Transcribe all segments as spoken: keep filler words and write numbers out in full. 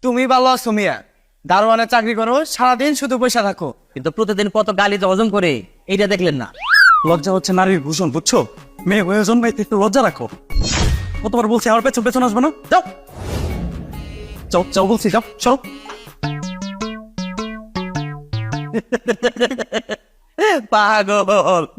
তুমি ভালো আছো মিয়া, দারোয়ানের চাকরি করো, সারাদিন শুধু পয়সা থাকো, কিন্তু প্রতিদিন কত গালি যে হজম করে এইটা দেখলেন না। লজ্জা হচ্ছে নারীর ভূষণ, বুঝছো? মেয়ে হয়ে জন্মাইতে একটু লজ্জা রাখো। কতবার বলছি আমার পেছন পেছন আসবে না? যাও যাও যাও বলছি, যাও চলো। পাগল।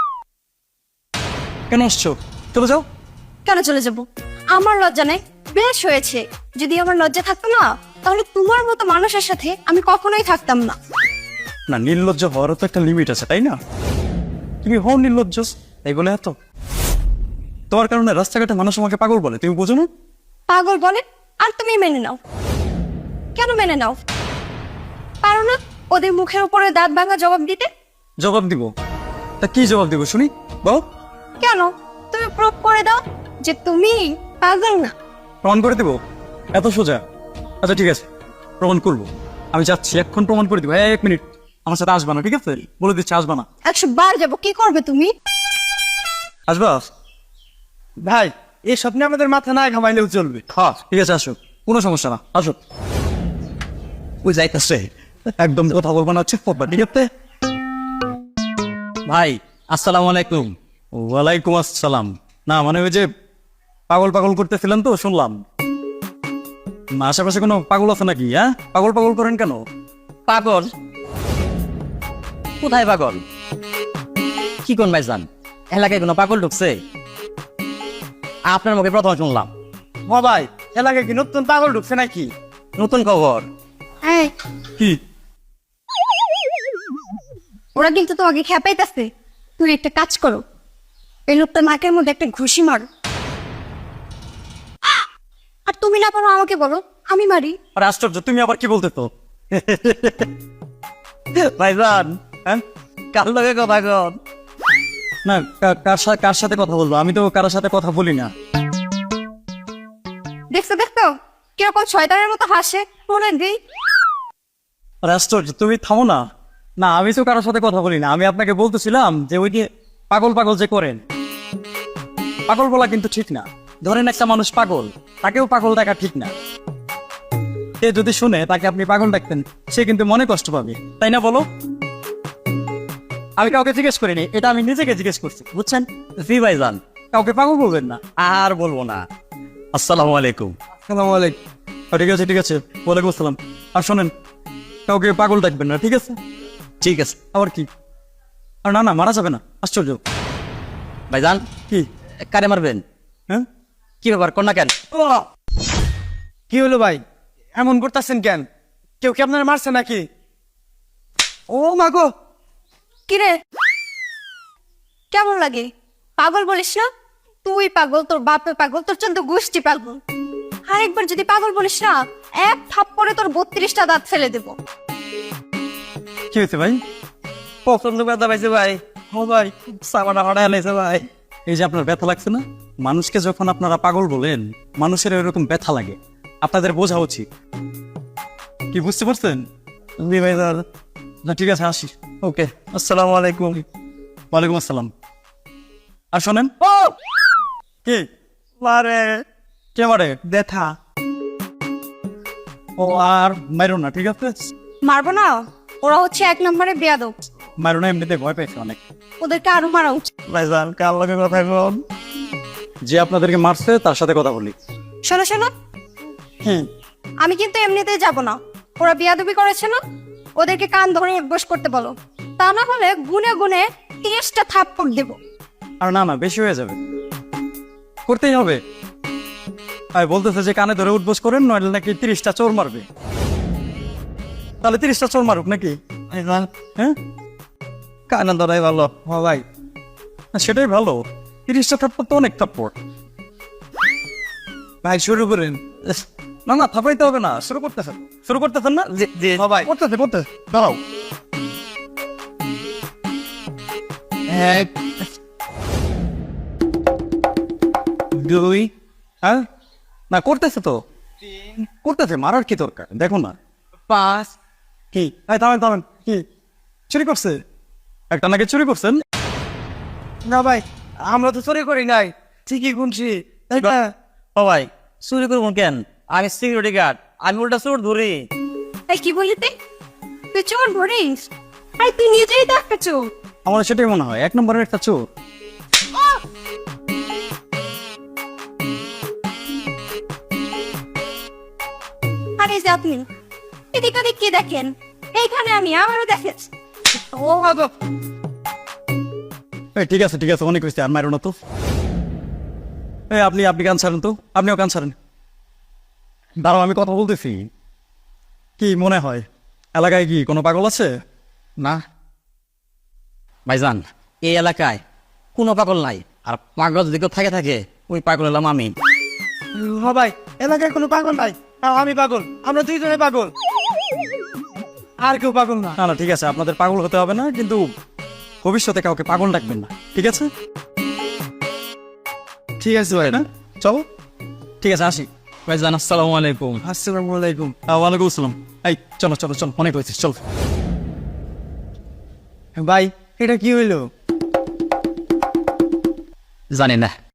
কেন আসছো? চলে যাও। কেন চলে যাব? আমার লজ্জা নেই? বেশ হয়েছে। যদি আমার লজ্জা থাকতো না, তাহলে তোমার মতো মানুষের সাথে আমি কখনোই থাকতাম না। না, নির্লজ্জ হওয়ারও তো একটা লিমিট আছে, তাই না? তুমি হও নির্লজ্জ, এই বলে এত তোমার কারণে রাস্তাঘাটে মানুষ আমাকে পাগল বলে, তুমি বোঝো না? পাগল বলে আর তুমি মেনে নাও। কেন মেনে নাও? পারো না ওদের মুখের উপরে দাঁত ভাঙা জবাব দিতে? জবাব দিব? তা কি জবাব দিব শুনি, বল। কেন? তুমি প্রুভ করে দাও যে তুমি পাগল না। প্রমাণ করে দিব? এত সোজা? আচ্ছা ঠিক আছে, প্রমাণ করবো। আমি যাচ্ছি, এখন প্রমাণ করে দিব। এক মিনিট, আমার সাথে আসবা না, ঠিক আছে? বলে দিচ্ছি আসবা না। একশো বার যাবো, কি করবে তুমি? আসবা? ভাই এই স্বপ্নে আমাদের মাথা না ঘামাইলেও চলবে। হ্যাঁ ঠিক আছে, আসো, কোনো সমস্যা না, আসো। ওই যাইতেছে, একদম কথা বলবো না, হচ্ছে ঠিক আছে? ভাই আসসালামু আলাইকুম। ওয়ালাইকুম আসসালাম। না মানে ওই যে পাগল পাগল করতেছিলেন তো শুনলাম। না, আশেপাশে কোনো পাগল আছে নাকি? হ্যাঁ, পাগল পাগল করেন কেন? পাগল? কোথায় পাগল? কি কোন ভাইজান, এলাকায় কোনো পাগল ঢুকছে? আপনার মুখে প্রথম শুনলাম। হ ভাই, এলাকায় কি নতুন পাগল ঢুকছে নাকি? নতুন খবর। হ্যাঁ, কি? ওরা কিন্তু তোমাকে খেপাইতেছে। তুমি একটা কাজ করো, এই লোকটার নাকের মধ্যে একটা ঘুষি মারো। আর তুমি না পারো আমাকে বলো, আমি মারি। আর আশ্চর্য, তুমি আবার কি বলতে তো? ভাইজান হ্যাঁ, কার লগে কথা কন? না কা- কার সাথে কার সাথে কথা বলবো? আমি তো কারোর সাথে কথা বলি না। দেখছো দেখছো কিরকম শয়তানের মতো হাসে, মনে দিই। আর আশ্চর্য, তুমি থামো না। না আমি তো কারোর সাথে কথা বলি না, আমি আপনাকে বলতেছিলাম যে ওই যে পাগল পাগল যে করেন, পাগল বলা কিন্তু ঠিক না। ধরেন একটা মানুষ পাগল, তাকেও পাগল ডাকা ঠিক না। সে যদি শুনে তাকে আপনি পাগল ডাকতেন, সে কিন্তু মনে কষ্ট পাবে, তাই না বলো? আমি কাউকে জিজ্ঞেস করিনি, এটা আমি নিজেকে জিজ্ঞেস করছি, বুঝছেন? জি ভাইজান, কাউকে পাগল বলবেন না। আর বলবো না। আসসালামু আলাইকুম। আসসালামু আলাইকুম। আহ, ঠিক আছে ঠিক আছে, ওয়ালাইকুম আসসালাম। আর শোনেন, কাউকে পাগল ডাকবেন না, ঠিক আছে? ঠিক আছে আবার কি? আর না না, মারা যাবে না, আশ্চর্য। ভাইজান। কি? কারে মারবেন? হ্যাঁ, কি ব্যাপার, কন্যা কেন? ও, কি হলো ভাই, এমন করতেছেন কেন? কেউ কি আপনার মারছে নাকি? ও মাগো, কিরে, কেমন লাগে? পাগল বলিস না? তুই পাগল, তোর বাপে পাগল, তোর চন্দ্র গোষ্ঠী পাগল। আরেকবার যদি পাগল বলিস না, এক থাপ্পড়ে তোর বত্রিশটা দাঁত ফেলে দেবো। কি হয়েছে ভাই? পছন্দ ব্যথা পাইছে ভাই। ও ভাই, সাবানা হড়া হেলেছে ভাই। এই যে আপনার ব্যথা লাগছে না, মানুষকে যখন আপনারা পাগল বলেন, মানুষের এরকম ব্যথা লাগে, আপনাদের বোঝা উচিত। কি বুঝতে পারছেন? জি ভাই স্যার। না ঠিক আছে, আসি। ওকে, আসসালামু আলাইকুম। ওয়ালাইকুম আসসালাম। আর শোনেন, ও কি মারে, কে মারে? ব্যথা। ও আর মাইরো না, ঠিক আছে? মারবো না, ওরা হচ্ছে এক নম্বরে বেয়াদব। মাইরো না, এমনিতে ভয় পেয়েছে অনেক। ওদেরকে আরো মারা উচিত। ভাইজান কার লগে কথা কন? যে আপনাদেরকে মারছে তার সাথে কথা বলি। শোনো শোনো, হুম, আমি কিন্তু এমনিতেই যাব না। ওরা বিয়াদবি করেছে না, ওদেরকে কান ধরে উঠবোস করতে বলো। তা না হলে গুনে গুনে তিরিশটা থাপ্পড় দেবো। আর না না, বেশি হয়ে যাবে, করতেই হবে। আর বলতেছে যে কানে ধরে উঠবোস করেন, নইলে নাকি তিরিশটা চোর মারবে। তাহলে তিরিশটা চোর মারুক নাকি? ভাইজান হ্যাঁ, কানা ধরাই ভালো। হ ভাই, না, সেটাই ভালো। তিরিশটা থাপ্পড় তো অনেক থাপ্পড়। ভাই শুরু করেন। না না, থাপড়াইতে হবে না, শুরু করতেছেন, শুরু করতেছেন না? জি জি হ ভাই। করতেছে করতেছে, দাঁড়াও। এক, দুই, হ্যাঁ, না করতেছে তো, করতেছে, মারার কি দরকার? দেখো না। পাঁচ। কি? এই থামেন থামেন, কি চুরি করছে? একটা নাকি চুরি করছেন? না ভাই, আমরা তো চুরি করি নাই, ঠিকই গুনছি, তাই না? ও ভাই, চুরি করবো কেন? আমি সিকিউরিটি গার্ড, আমি উল্টা চোর ধরি। এই কি বলি তুই তুই চোর ধরিস? আরে তুই নিজেই তো একটা চোর। আমার সেটাই মনে হয় এক নম্বরের একটা চোর। আরে যে আপনি এদিক ওদিক কি দেখেন? এইখানে আমি আমারও দেখেছি। ও বাবা এই ঠিক আছে ঠিক আছে অনেক হয়েছে আর মারো না তো। এই আপনি আপনি গান ছাড়েন তো, আপনিও গান ছাড়েন। দাঁড়াও আমি কথা বলতেছি। কি মনে হয় এলাকায় কি কোনো পাগল আছে? না ভাইজান, এই এলাকায় কোনো পাগল নাই। আর পাগল যদি কেউ থাকে থাকে ওই পাগল হলাম আমি। হ ভাই, এলাকায় কোনো পাগল নাই, আর আমি পাগল, আমরা দুইজনে পাগল, আর কেউ পাগল না। না না ঠিক আছে, আপনাদের পাগল হতে হবে না, কিন্তু ভবিষ্যতে কাউকে পাগল ডাকবেন না, ঠিক আছে? ঠিক আছে ভাই, না চলো, ঠিক আছে আসি। ভাইজান আসসালামু আলাইকুম। আসসালামু আলাইকুম। আহ, ওয়ালাইকুম আসসালাম। এই চলো চলো চলো, অনেক হয়েছে, চলো। ভাই এটা কি হইলো? জানি না।